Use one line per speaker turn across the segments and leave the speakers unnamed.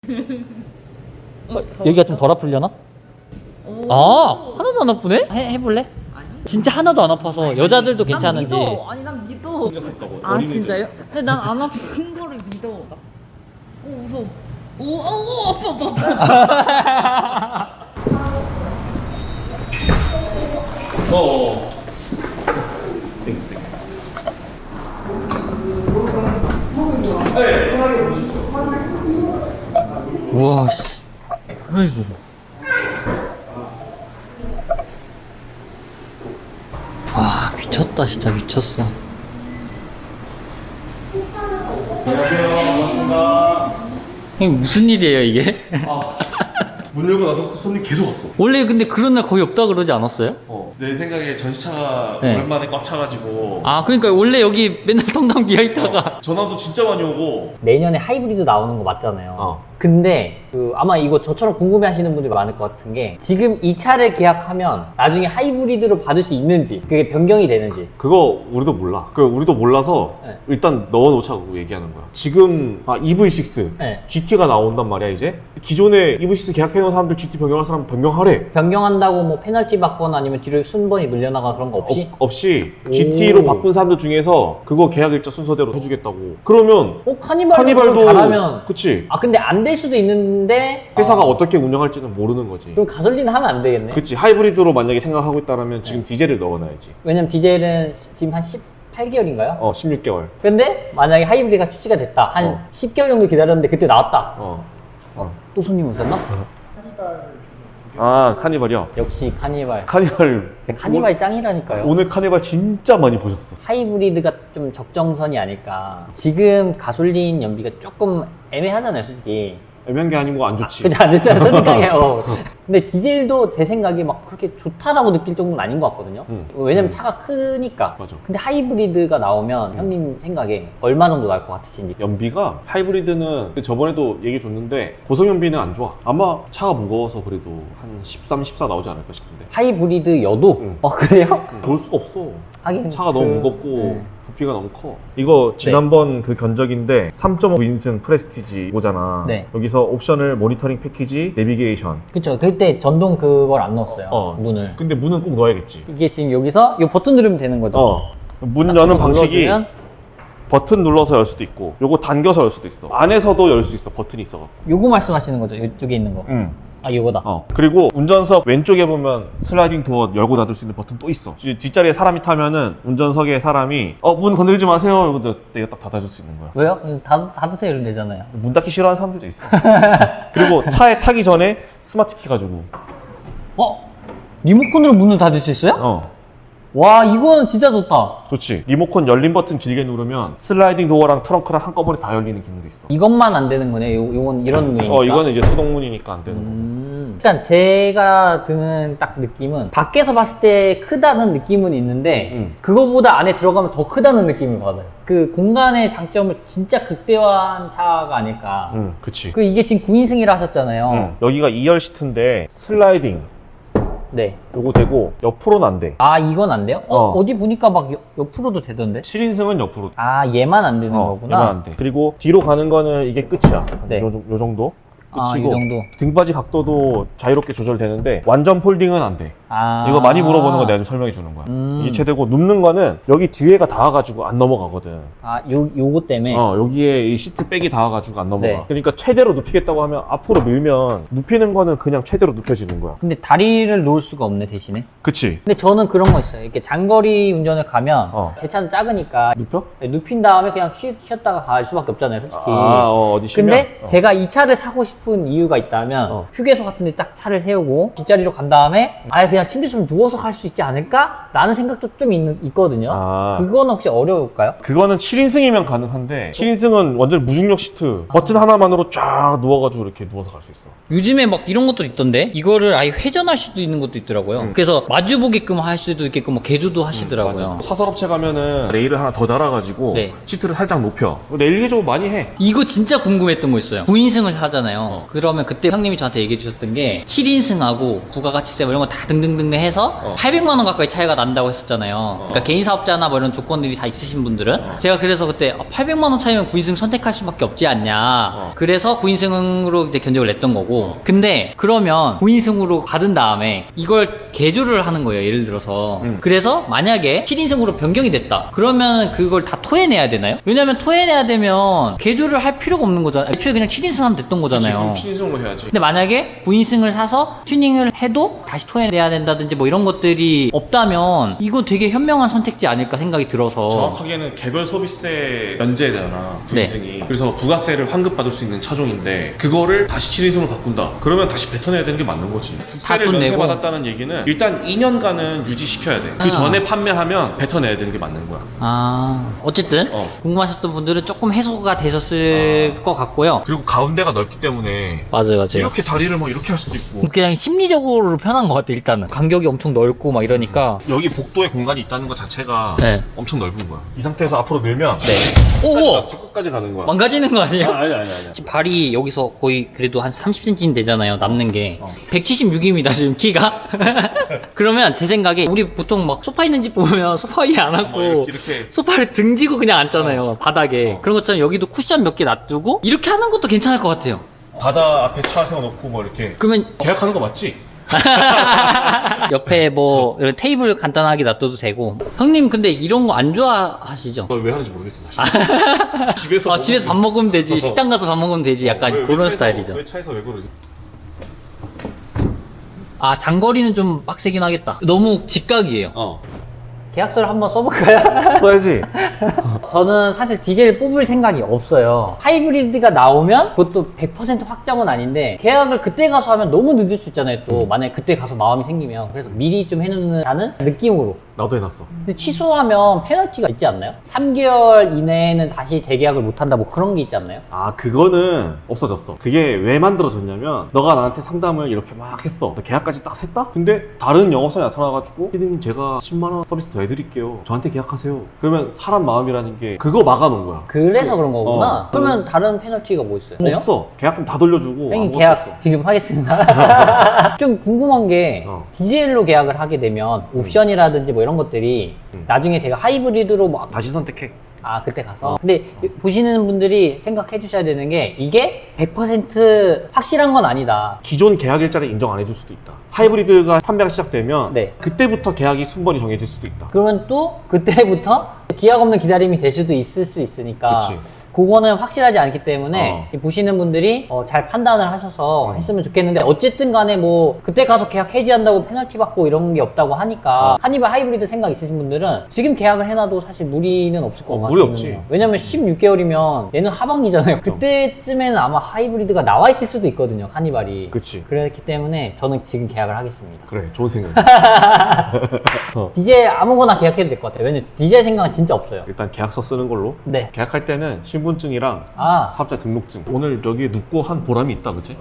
여기가 좀 덜 아프려나? 아 하나도 안 아프네? 해볼래?
아니.
진짜 하나도 안 아파서 여자들도 괜찮은지.
난 믿어. 아니 난 믿어. 아 진짜요? 근데 난 안 아픈 거를 믿어. 오 무서워. 오 아파.
우와 씨. 아이고. 와 미쳤다 진짜 미쳤어.
안녕하세요. 반갑습니다.
형님 무슨 일이에요 이게?
문 열고 나서부터 손님 계속 왔어.
원래 근데 그런 날 거의 없다 그러지 않았어요?
내 생각에 전시차가
네.
오랜만에 꽉 차가지고.
아 그러니까 원래 여기 맨날 텅텅 비어있다가
전화도 진짜 많이 오고.
내년에 하이브리드 나오는 거 맞잖아요.
어.
근데 아마 이거 저처럼 궁금해 하시는 분들이 많을 것 같은 게 지금 이 차를 계약하면 나중에 하이브리드로 받을 수 있는지 그게 변경이 되는지.
그거 우리도 몰라. 우리도 몰라서
네.
일단 넣어놓자고 얘기하는 거야. 지금 EV6
네.
GT가 나온단 말이야 이제. 기존에 EV6 계약해놓은 사람들 GT 변경할 사람 변경하래.
변경한다고 뭐 페널티 받거나 아니면 뒤로 순번이 늘려나가 그런 거 없이?
없이
오.
GT로 바꾼 사람들 중에서 그거 계약 일자 순서대로 해주겠다고. 그러면
카니발도 잘하면.
그치.
아 근데 안 될 수도 있는데
회사가 어떻게 운영할지는 모르는 거지.
그럼 가솔린 하면 안 되겠네.
그치. 하이브리드로 만약에 생각하고 있다면 지금 디젤을 넣어놔야지.
왜냐면 디젤은 지금 한 18개월인가요?
16개월.
근데 만약에 하이브리드가 출시가 됐다. 한 10개월 정도 기다렸는데 그때 나왔다. 또 손님 오셨나?
카니발이요.
역시 카니발.
카니발.
카니발 짱이라니까요.
오늘 카니발 진짜 많이 보셨어.
하이브리드가 좀 적정선이 아닐까. 지금 가솔린 연비가 조금 애매하잖아요, 솔직히.
애매한 게 아니고 안 좋지.
그죠? 안 됐잖아요, 솔직하게. 근데 디젤도 제 생각에 막 그렇게 좋다라고 느낄 정도는 아닌 것 같거든요. 왜냐면 차가 크니까.
맞아.
근데 하이브리드가 나오면 형님 생각에 얼마 정도 나올 것 같으신지.
연비가 하이브리드는 저번에도 얘기 줬는데 고속 연비는 안 좋아. 아마 차가 무거워서 그래도 한 13, 14 나오지 않을까 싶은데.
하이브리드여도? 그래요?
좋을 수가 없어.
하긴
차가 너무 무겁고
네.
부피가 너무 커. 이거 지난번 그 견적인데 3.5인승 프레스티지 이거잖아.
네.
여기서 옵션을 모니터링 패키지, 내비게이션.
그쵸. 그때 전동 그걸 안 넣었어요. 문을.
근데 문은 꼭 넣어야겠지.
이게 지금 여기서 이 버튼 누르면 되는 거죠?
문
딱
여는
한번
방식이
눌러주면
버튼 눌러서 열 수도 있고 요거 당겨서 열 수도 있어. 안에서도 열 수 있어. 버튼이 있어갖고.
요거 말씀하시는 거죠? 이쪽에 있는 거. 아, 요거다.
그리고 운전석 왼쪽에 보면 슬라이딩 도어 열고 닫을 수 있는 버튼 또 있어. 뒷자리에 사람이 타면은 운전석에 사람이 문 건들지 마세요 이러고 내가 딱 닫아줄 수 있는 거야.
왜요? 닫으세요 이러면 되잖아요.
문 닫기 싫어하는 사람들도 있어. 그리고 차에 타기 전에 스마트 키 가지고.
리모컨으로 문을 닫을 수 있어요? 와, 이건 진짜 좋다.
좋지. 리모컨 열린 버튼 길게 누르면 슬라이딩 도어랑 트렁크랑 한꺼번에 다 열리는 기능도 있어.
이것만 안 되는 거네. 요건 이런 문이니까.
이거는 이제 수동문이니까 안 되는 거고.
일단 제가 드는 딱 느낌은 밖에서 봤을 때 크다는 느낌은 있는데 그거보다 안에 들어가면 더 크다는 느낌을 받아요. 그 공간의 장점을 진짜 극대화한 차가 아닐까.
그치.
이게 지금 9인승이라 하셨잖아요.
여기가 2열 시트인데 슬라이딩
네.
요거 되고 옆으로는 안 돼.
아, 이건 안 돼요? 어디 보니까 막 옆으로도 되던데?
7인승은 옆으로.
아, 얘만 안 되는 거구나.
얘만 안 돼. 그리고 뒤로 가는 거는 이게 끝이야.
네.
요 정도.
아, 이
끝이고
정도.
등받이 각도도 자유롭게 조절되는데 완전 폴딩은 안 돼.
아.
이거 많이 물어보는 거 내가 좀 설명해 주는 거야. 이게 제대로 눕는 거는 여기 뒤에가 닿아가지고 안 넘어가거든.
아, 요거 때문에?
여기에 이 시트 백이 닿아가지고 안 넘어가.
네.
그러니까 최대로 눕히겠다고 하면 앞으로 밀면 눕히는 거는 그냥 최대로 눕혀지는 거야.
근데 다리를 놓을 수가 없네, 대신에.
그치?
근데 저는 그런 거 있어요. 이렇게 장거리 운전을 가면 제 차는 작으니까
눕혀?
눕힌 다음에 그냥 쉬었다가 갈 수밖에 없잖아요, 솔직히.
어디 쉬면?
근데 제가 이 차를 사고 싶은 이유가 있다면 휴게소 같은 데 딱 차를 세우고 뒷자리로 간 다음에 아예 그냥 침대처럼 누워서 갈 수 있지 않을까? 라는 생각도 좀 있거든요. 그거는 혹시 어려울까요?
그거는 7인승이면 가능한데 7인승은 완전 무중력 시트 버튼 하나만으로 쫙 누워가지고 이렇게 누워서 갈 수 있어.
요즘에 막 이런 것도 있던데 이거를 아예 회전할 수도 있는 것도 있더라고요. 그래서 마주 보게끔 할 수도 있게끔 뭐 개조도 하시더라고요.
사설업체 가면은 레일을 하나 더 달아가지고
네.
시트를 살짝 높여. 레일 개조 많이 해.
이거 진짜 궁금했던 거 있어요. 9인승을 사잖아요. 그러면 그때 형님이 저한테 얘기해 주셨던 게 7인승하고 부가가치세 뭐 이런 거 다 등등등 해서 800만 원 가까이 차이가 난다고 했었잖아요. 그러니까 개인 사업자나 뭐 이런 조건들이 다 있으신 분들은 제가 그래서 그때 800만 원 차이면 9인승 선택할 수밖에 없지 않냐. 그래서 9인승으로 이제 견적을 냈던 거고. 근데 그러면 9인승으로 받은 다음에 이걸 개조를 하는 거예요. 예를 들어서. 그래서 만약에 7인승으로 변경이 됐다. 그러면 그걸 다 토해내야 되나요? 왜냐면 토해내야 되면 개조를 할 필요가 없는 거잖아요. 애초에 그냥 7인승 하면 됐던 거잖아요.
지금 7인승으로 해야지.
근데 만약에 9인승을 사서 튜닝을 해도 다시 토해내야 된다든지 뭐 이런 것들이 없다면 이거 되게 현명한 선택지 아닐까 생각이 들어서.
정확하게는 개별 소비세 면제잖아,
네.
9인승이. 그래서 부가세를 환급받을 수 있는 차종인데 그거를 다시 7인승으로 바꾼다. 그러면 다시 뱉어내야 되는 게 맞는 거지. 국세를
돈 내고.
면세받았다는 얘기는 일단 2년간은 유지시켜야 돼. 그 전에 판매하면 뱉어내야 되는 게 맞는 거야.
어쨌든 궁금하셨던 분들은 조금 해소가 되셨을 것 같고요.
그리고 가운데가 넓기 때문에
맞아요.
이렇게 다리를 뭐 이렇게 할 수도 있고
그냥 심리적으로 편한 것 같아. 일단은 간격이 엄청 넓고 막 이러니까.
여기 복도에 공간이 있다는 것 자체가
네.
엄청 넓은 거야. 이 상태에서 앞으로 밀면
오!
끝까지 가는 거야.
망가지는 거 아니에요?
아니.
지금 발이 여기서 거의 그래도 한 30cm는 되잖아요. 남는 게 176입니다 지금 키가. 그러면 제 생각에 우리 보통 막 소파 있는 집 보면 소파 위에 안 앉고
이렇게
소파를 등지고 그냥 앉잖아요. 바닥에. 그런 것처럼 여기도 쿠션 몇 개 놔두고 이렇게 하는 것도 괜찮을 것 같아요.
바다 앞에 차 세워놓고 뭐 이렇게
그러면
계약하는 거 맞지?
옆에 뭐 이런 테이블 간단하게 놔둬도 되고. 형님 근데 이런 거 안 좋아하시죠?
너 왜 하는지 모르겠어 사실. 집에서
집에서 밥 먹으면 되지. 식당 가서 밥 먹으면 되지. 약간
왜
그런
차에서-
스타일이죠.
왜 차에서 왜 그러지?
장거리는 좀 빡세긴 하겠다. 너무 직각이에요.
계약서를 한번 써볼까요?
써야지.
저는 사실 디젤을 뽑을 생각이 없어요. 하이브리드가 나오면 그것도 100% 확정은 아닌데 계약을 그때 가서 하면 너무 늦을 수 있잖아요. 또 만약에 그때 가서 마음이 생기면. 그래서 미리 좀 해놓는다는 느낌으로.
나도 해놨어.
근데 취소하면 페널티가 있지 않나요? 3개월 이내에는 다시 재계약을 못한다 뭐 그런 게 있지 않나요?
그거는 없어졌어. 그게 왜 만들어졌냐면 너가 나한테 상담을 이렇게 막 했어. 계약까지 딱 했다? 근데 다른 영업사에 나타나가지고 피디님 제가 10만원 서비스 더 해드릴게요. 저한테 계약하세요. 그러면 사람 마음이라는 게 그거 막아놓은 거야.
그래서 그런 거구나.
어.
그러면 다른 페널티가 뭐 있어요?
없어. 계약금 다 돌려주고
형님
아무것도
계약
없어.
지금 하겠습니다. 좀 궁금한 게 디젤로 계약을 하게 되면 옵션이라든지 뭐 이런 것들이 나중에 제가 하이브리드로 막
다시 선택해.
그때 가서 근데 보시는 분들이 생각해 주셔야 되는 게 이게 100% 확실한 건 아니다.
기존 계약 일자를 인정 안 해줄 수도 있다. 하이브리드가 판매가 시작되면
네.
그때부터 계약이 순번이 정해질 수도 있다.
그러면 또 그때부터 기약 없는 기다림이 될 수도 있을 수 있으니까
그치.
그거는 확실하지 않기 때문에 보시는 분들이 잘 판단을 하셔서 했으면 좋겠는데 어쨌든 간에 뭐 그때 가서 계약 해지한다고 페널티 받고 이런 게 없다고 하니까 카니발 하이브리드 생각 있으신 분들은 지금 계약을 해놔도 사실 무리는 없을 것 같아요.
무리 없지.
왜냐면 16개월이면 얘는 하반기잖아요. 그때쯤에는 아마 하이브리드가 나와 있을 수도 있거든요. 카니발이.
그치.
그렇기 때문에 저는 지금 계약을 하겠습니다.
그래, 좋은 생각.
디젤 아무거나 계약해도 될 것 같아요. 왜냐면 디젤 생각은 진짜 없어요.
일단 계약서 쓰는 걸로.
네.
계약할 때는 신분증이랑 사업자 등록증. 오늘 여기 눕고 한 보람이 있다, 그치?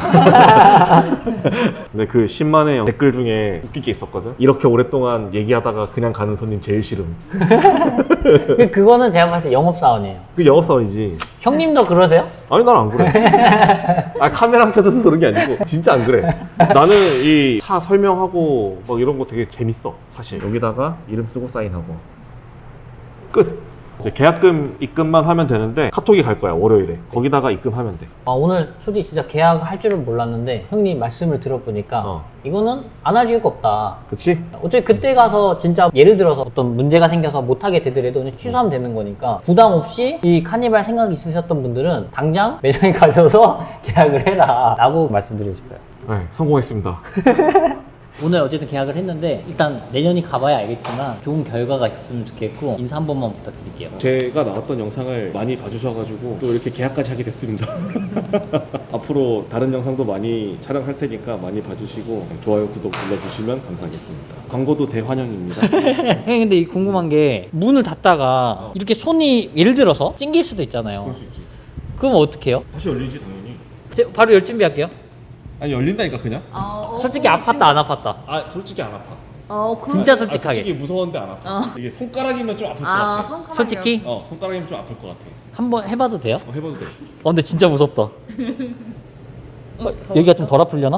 근데 그 10만의 댓글 중에 웃긴 게 있었거든. 이렇게 오랫동안 얘기하다가 그냥 가는 손님 제일 싫음.
그거는 제가 봤을 때 영업사원이에요.
그 영업사원이지.
형님도 그러세요?
아니, 난 안 그래. 카메라 켜서 그런 게 아니고 진짜 안 그래. 나는 이 차 설명하고 막 이런 거 되게 재밌어, 사실. 여기다가 이름 쓰고 사인하고 끝. 이제 계약금 입금만 하면 되는데 카톡이 갈 거야, 월요일에. 거기다가 입금하면 돼.
오늘 솔직히 진짜 계약할 줄은 몰랐는데 형님 말씀을 들어보니까 이거는 안 할 이유가 없다.
그치?
어차피 그때 가서 진짜 예를 들어서 어떤 문제가 생겨서 못하게 되더라도 그냥 취소하면 되는 거니까 부담 없이 이 카니발 생각이 있으셨던 분들은 당장 매장에 가셔서 계약을 해라 라고 말씀드리고 싶어요.
네, 성공했습니다.
오늘 어쨌든 계약을 했는데 일단 내년이 가봐야 알겠지만 좋은 결과가 있었으면 좋겠고 인사 한 번만 부탁드릴게요.
제가 나왔던 영상을 많이 봐주셔가지고 또 이렇게 계약까지 하게 됐습니다. 앞으로 다른 영상도 많이 촬영할 테니까 많이 봐주시고 좋아요, 구독 눌러주시면 감사하겠습니다. 광고도 대환영입니다.
형님 근데 이 궁금한 게 문을 닫다가 이렇게 손이 예를 들어서 찡길 수도 있잖아요.
그럴 수 있지.
그럼 어떻게 해요?
다시 열리지 당연히.
바로 열 준비할게요.
아니, 열린다니까 그냥.
솔직히 아팠다 안 아팠다.
솔직히 안 아파.
진짜 솔직하게.
솔직히 무서운데 안 아파. 이게 손가락이면 좀 아플 것 같아.
손가락이요?
솔직히
손가락이면 좀 아플 것 같아.
한번 해봐도 돼요?
해봐도 돼.
근데 진짜 무섭다. 여기가 좀 덜 아플려나?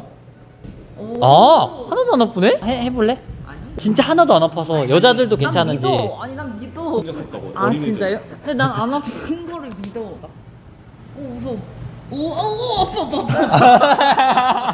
아 하나도 안 아프네? 해볼래?
아니.
진짜 하나도 안 아파서 여자들도 괜찮은지.
난 믿어. 아니 난 믿어. 아 진짜요? 근데 난 안 아픈 거를 믿어. 오 무서워. 오 아파.